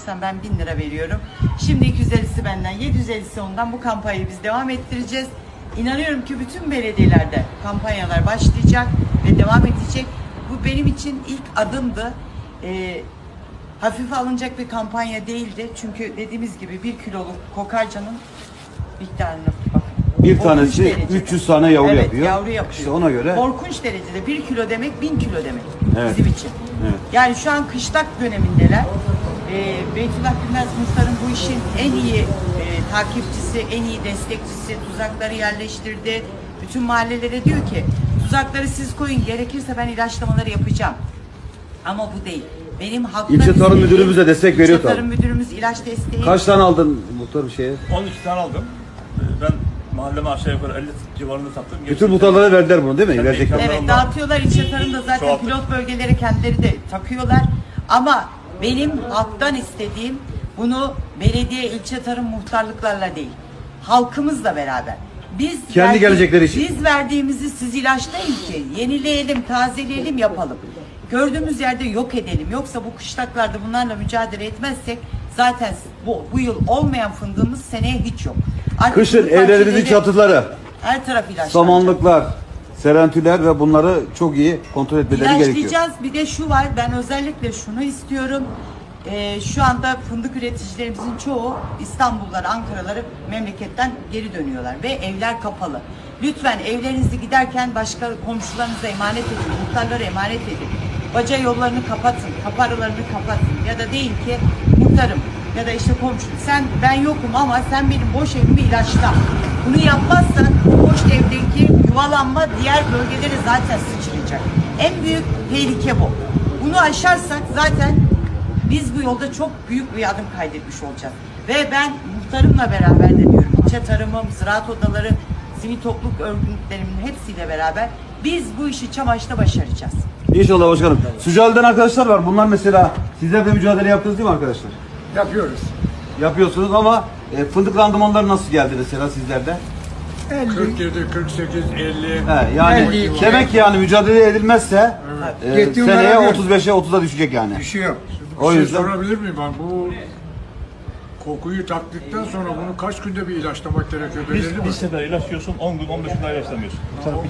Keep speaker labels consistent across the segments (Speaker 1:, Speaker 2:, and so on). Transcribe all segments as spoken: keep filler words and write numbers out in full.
Speaker 1: baştan ben bin lira veriyorum. Şimdi iki yüz ellisi benden, yedi yüz ellisi ondan. Bu kampanyayı biz devam ettireceğiz. İnanıyorum ki bütün belediyelerde kampanyalar başlayacak ve devam edecek. Bu benim için ilk adımdı. Ee, hafife alınacak bir kampanya değildi. Çünkü dediğimiz gibi bir kiloluk kokarcanın miktarına bakın.
Speaker 2: Bir
Speaker 1: Korkunç
Speaker 2: tanesi
Speaker 1: derecede.
Speaker 2: üç yüz tane yavru
Speaker 1: evet,
Speaker 2: yapıyor.
Speaker 1: yavru yapıyor.
Speaker 2: İşte ona göre.
Speaker 1: Korkunç derecede bir kilo demek bin kilo demek
Speaker 2: Evet.
Speaker 1: bizim için.
Speaker 2: Evet.
Speaker 1: Yani şu an kışlak dönemindeler. Ee, Beytullah Gülmez Muhtar'ın bu işin en iyi e, takipçisi, en iyi destekçisi, tuzakları yerleştirdi. Bütün mahallelere diyor ki tuzakları siz koyun, gerekirse ben ilaçlamaları yapacağım. Ama bu değil. Benim haklarım...
Speaker 2: İlçe Tarım Müdürümüz de destek veriyor
Speaker 1: İlçe Tarım
Speaker 2: tabii.
Speaker 1: Müdürümüz ilaç desteği...
Speaker 2: Kaç tane aldın muhtarım şeye?
Speaker 3: on iki tane aldım. Ee, Ben mahalleme aşağı yukarı elli civarında sattım.
Speaker 2: Bütün muhtarlara verdiler bunu değil mi?
Speaker 3: Tabii,
Speaker 2: Verecekler.
Speaker 3: tabii.
Speaker 1: Evet, dağıtıyorlar. İlçe Tarım'da zaten
Speaker 3: Çoğalttık.
Speaker 1: pilot bölgeleri kendileri de takıyorlar. Ama benim halktan istediğim bunu belediye, ilçe tarım muhtarlıklarla değil, halkımızla beraber. Biz
Speaker 2: Kendi
Speaker 1: verdi-
Speaker 2: gelecekleri için.
Speaker 1: Biz verdiğimizi siz ilaçlayın ki yenileyelim, tazeleyelim, yapalım. Gördüğümüz yerde yok edelim. Yoksa bu kışlaklarda bunlarla mücadele etmezsek zaten bu, bu yıl olmayan fındığımız seneye hiç yok. Artık
Speaker 2: Kışın
Speaker 1: fındık
Speaker 2: evlerimizin
Speaker 1: bahçeleri,
Speaker 2: çatıları,
Speaker 1: her taraf ilaçlanacak.
Speaker 2: samanlıklar, serentüler ve bunları çok iyi kontrol etmeleri gerekiyor.
Speaker 1: İlaçlayacağız. Bir de şu var, ben özellikle şunu istiyorum. Ee, şu anda fındık üreticilerimizin çoğu İstanbul'lar, Ankara'ları memleketten geri dönüyorlar ve evler kapalı. Lütfen evlerinizi giderken başka komşularınıza emanet edin, muhtarlara emanet edin. Baca yollarını kapatın, kaparalarını kapatın ya da deyin ki muhtarım ya da işte komşum sen ben yokum ama sen benim boş evimi ilaçla. Bunu yapmazsan bu boş evdeki yuvalanma diğer bölgelere zaten sıçrayacak. En büyük tehlike bu. Bunu aşarsak zaten biz bu yolda çok büyük bir adım kaydetmiş olacağız. Ve ben muhtarımla beraber de diyorum, ilçe tarımım, ziraat odaları, sivil topluluk örgütlerimin hepsiyle beraber biz bu işi Çamaş'ta başaracağız.
Speaker 2: İnşallah başkanım. Sücali'den arkadaşlar var. Bunlar mesela sizler de mücadele yaptınız değil mi arkadaşlar?
Speaker 4: Yapıyoruz.
Speaker 2: Yapıyorsunuz ama e, fındık randımanları nasıl geldi mesela sizlerde?
Speaker 4: kırk yedi, kırk sekiz, elli.
Speaker 2: He, yani
Speaker 4: elli iki.
Speaker 2: demek ki yani mücadele edilmezse e,
Speaker 4: Yettiğim
Speaker 2: seneye
Speaker 4: kadar
Speaker 2: otuz beşe otuza düşecek yani.
Speaker 4: Düşüyor.
Speaker 2: O
Speaker 4: Bir şey
Speaker 2: yüzden-
Speaker 4: sorabilir miyim ben? Bu kokuyu taktıktan sonra bunu kaç günde bir ilaçlamak gerekiyor?
Speaker 3: Biz
Speaker 4: Belirli mi?
Speaker 3: bir sefer ilaçlıyorsun, on gün, on beş gün daha ilaçlamıyorsun.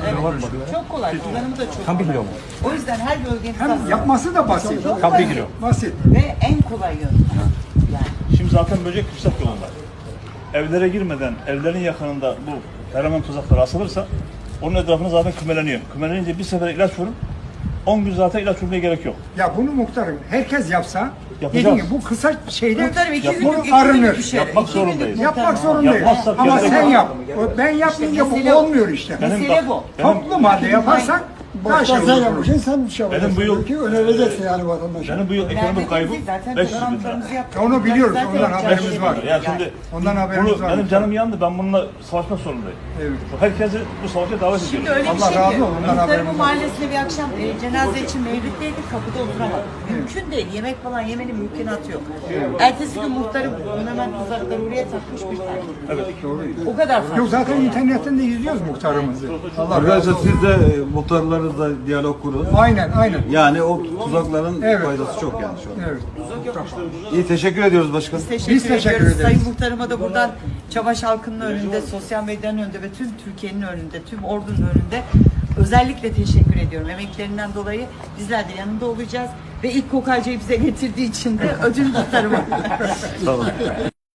Speaker 1: Çok kolay, kullanımı da çok kolay. O yüzden her bölgemiz
Speaker 4: Hem
Speaker 1: aslında
Speaker 4: yapması da basit.
Speaker 3: Tam bir kilo.
Speaker 4: Basit.
Speaker 1: ve en kolay yöntem. Yani.
Speaker 3: Şimdi zaten böcek kışlak yolunda. Evlere girmeden, evlerin yakınında bu feromon tuzakları asılırsa onun etrafına zaten kümeleniyor. Kümelenince bir sefer ilaç vurun, on gün zaten ilaç vurmaya gerek yok.
Speaker 4: Ya bunu muhtarım herkes yapsa
Speaker 3: Yapacağız.
Speaker 4: dediğim gibi bu kısa şeyde
Speaker 1: Muhtarım iki
Speaker 3: Yapmak-
Speaker 1: günlük,
Speaker 4: bunu
Speaker 1: iki günlük
Speaker 4: arınır.
Speaker 1: bir şey.
Speaker 3: Yapmak
Speaker 1: İki
Speaker 3: zorundayız.
Speaker 1: günlük
Speaker 4: yapmak
Speaker 1: muhtarım.
Speaker 4: zorundayız.
Speaker 3: Yapmazsak
Speaker 4: Ama
Speaker 3: gerek
Speaker 4: sen
Speaker 3: yok.
Speaker 4: yap. O Ben yapmayınca
Speaker 1: mesele
Speaker 4: bu
Speaker 1: o.
Speaker 4: olmuyor işte.
Speaker 1: Mesele bu.
Speaker 4: Toplu halde yaparsak daha şey
Speaker 5: Baştan sen
Speaker 4: olur.
Speaker 5: yapacaksın, sen bir şey yapacaksın.
Speaker 3: Benim bu yıl-
Speaker 5: Ki önereceksin yani vatandaşa.
Speaker 3: Benim bu yıl ekonomik kaybım
Speaker 1: Zaten
Speaker 3: beş yüz bin lira.
Speaker 1: toplantılarımızı yaptık.
Speaker 4: Onu biliyoruz,
Speaker 1: Zaten
Speaker 4: ondan
Speaker 1: yapacağız
Speaker 4: haberimiz
Speaker 1: şey
Speaker 4: var.
Speaker 1: değil.
Speaker 3: Ya şimdi
Speaker 4: Ondan haberimiz
Speaker 3: bunu,
Speaker 4: var.
Speaker 3: benim canım yandı, ben bununla savaşmak zorundayım.
Speaker 4: Evet.
Speaker 3: Herkesi bu savaşa davet ediyorum.
Speaker 1: Şimdi öyle bir
Speaker 4: Allah
Speaker 1: şey
Speaker 4: razı
Speaker 1: ki,
Speaker 4: olsun, ondan
Speaker 1: Muhtarımın
Speaker 4: haberimiz var.
Speaker 1: mahallesinde bir akşam e, cenaze için mevlitteydik, kapıda oturamadık. Mümkün değil, yemek falan yemenin mümkünatı yok. Ertesi gün muhtarım hemen tuzakları oraya takmış bir tane.
Speaker 3: Evet.
Speaker 1: O kadar farklı.
Speaker 4: Yok zaten internetten de izliyoruz muhtarımızı. Allah razı
Speaker 2: Arkadaşlar
Speaker 4: olsun.
Speaker 2: siz de e, muhtarlarınızla diyalog kurun.
Speaker 4: Aynen aynen.
Speaker 2: Yani o tuzakların
Speaker 4: Evet.
Speaker 2: faydası çok yani şu an.
Speaker 4: Evet.
Speaker 2: İyi, teşekkür ediyoruz başkanım.
Speaker 1: Teşekkür,
Speaker 4: Biz teşekkür
Speaker 1: ediyoruz.
Speaker 4: ederiz.
Speaker 1: Sayın Muhtarıma da buradan Çavaş halkının önünde, sosyal medyanın önünde ve tüm Türkiye'nin önünde, tüm ordunun önünde özellikle teşekkür ediyorum. Emeklerinden dolayı bizler de yanında olacağız ve ilk kokarcayı bize getirdiği için de ödül muhtarıma.
Speaker 2: Sağ olun.